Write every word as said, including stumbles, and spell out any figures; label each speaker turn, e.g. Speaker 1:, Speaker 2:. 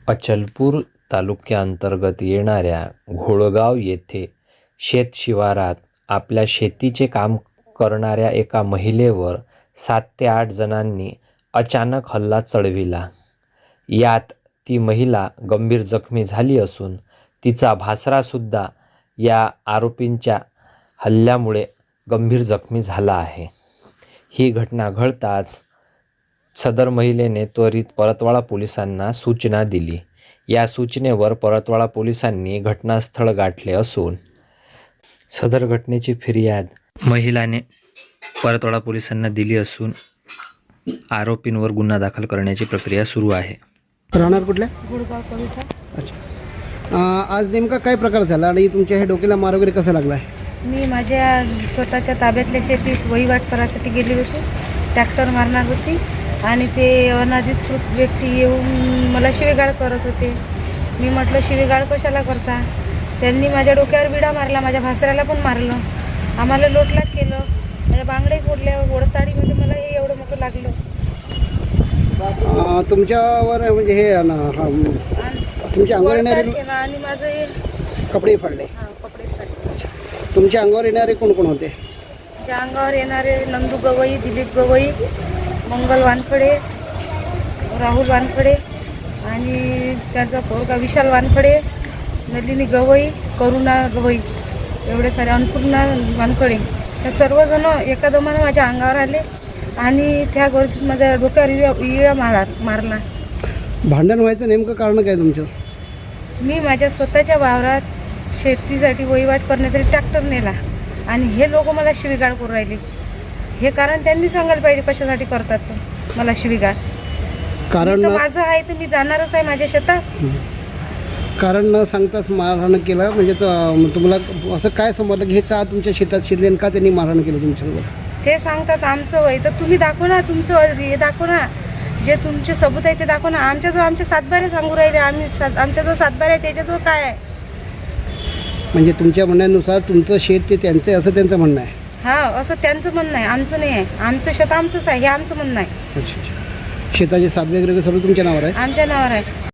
Speaker 1: अचलपूर तालुक्यांतर्गत येणाऱ्या घोळगाव येथे शेत शिवारात आपल्या शेतीचे काम करणाऱ्या एका महिलेवर सात ते आठ जणांनी अचानक हल्ला चढविला. यात ती महिला गंभीर जखमी झाली असून तिचा भासरासुद्धा या आरोपींच्या हल्ल्यामुळे गंभीर जखमी झाला आहे. ही घटना घडताच सदर महिलेने त्वरित परतवाडा पोलिसांना सूचना दिली. या सूचनेवर परतवाडा पोलिसांनी घटनास्थळ गाठले असून सदर घटनेची फिर्याद महिलाने परतवाडा पोलिसांना दिली असून आरोपींवर गुन्हा दाखल करण्याची प्रक्रिया सुरू आहे.
Speaker 2: राहणार कुठल्या?
Speaker 3: गुडगाव कविता.
Speaker 2: अच्छा, आज नेमका काय प्रकार झाला आणि तुमच्या हे डोक्याला मार वगैरे कसा लागला आहे?
Speaker 3: मी माझ्या स्वतःच्या ताब्यातल्या शेतीत वहिवाट करायसाठी गेली होती. ट्रॅक्टर मारणार होती आणि ते अनधिकृत व्यक्ती येऊन मला शिवीगाळ करत होते. मी म्हटलं शिवीगाळ कशाला करता? त्यांनी माझ्या डोक्यावर विडा मारला, माझ्या भासऱ्याला पण मारलं, आम्हाला लोटलाट केलं, माझ्या बांगडे फोडल्या, ओढताडीमध्ये मला हे एवढं मोठं लागलं.
Speaker 2: तुमच्यावर म्हणजे हे तुमच्या अंगावर येणारे
Speaker 3: आणि माझं हे
Speaker 2: कपडे फाडले?
Speaker 3: हां, कपडे फाडले.
Speaker 2: तुमच्या अंगावर येणारे कोण कोण होते?
Speaker 3: त्या अंगावर येणारे नंदू गवई, दिलीप गवई, मंगल वानखडे, राहुल वानखडे आणि त्याचा पोरगा विशाल वानखडे, नलिनी गवई, करुणा गवई, एवढे सारे, अन्नपूर्णा वानखडे, हे सर्वजण एका दमानं माझ्या अंगावर आले आणि त्या गर्दीत माझ्या डोक्यावर विळा विळा मारा मारला.
Speaker 2: भांडण व्हायचं नेमकं कारण काय तुमचं?
Speaker 3: मी माझ्या स्वतःच्या वावरात शेतीसाठी वहिवाट करण्यासाठी ट्रॅक्टर नेला आणि हे लोक मला शिवीगाळ करू राहिले. हे कारण त्यांनी सांगायला पाहिजे कशासाठी करतात तर मला शिवीगाळ. कारण माझं आहे तर मी जाणारच आहे माझ्या शेतात.
Speaker 2: कारण न सांगताच मारहाण केलं म्हणजे तुम्हाला असं काय समजलं की हे का तुमच्या शेतात शिरले आणि का त्यांनी मारहाण केलं तुमच्यासोबत?
Speaker 3: ते सांगतात आमचं वय तर तुम्ही दाखव ना, तुमचं हे दाखव ना, जे तुमचे सबूत आहे ते दाखव ना. आमच्याजवळ आमचे सातबारे सांगू राहिले, आम्ही सात आमच्याजवळ सातबारे आहे, त्याच्याजवळ काय आहे? म्हणजे
Speaker 2: तुमच्या म्हणण्यानुसार तुमचं शेत ते त्यांचं आहे असं त्यांचं म्हणणं आहे?
Speaker 3: हां, असं त्यांचं म्हणणं आहे, आमचं नाही आहे. आमचं शेत आमचंच आहे हे आमचं म्हणणं आहे.
Speaker 2: अच्छा अच्छा. शेताचे सात वगैरे सर्व तुमच्या नावावर आहे?
Speaker 3: आमच्या नावावर आहे.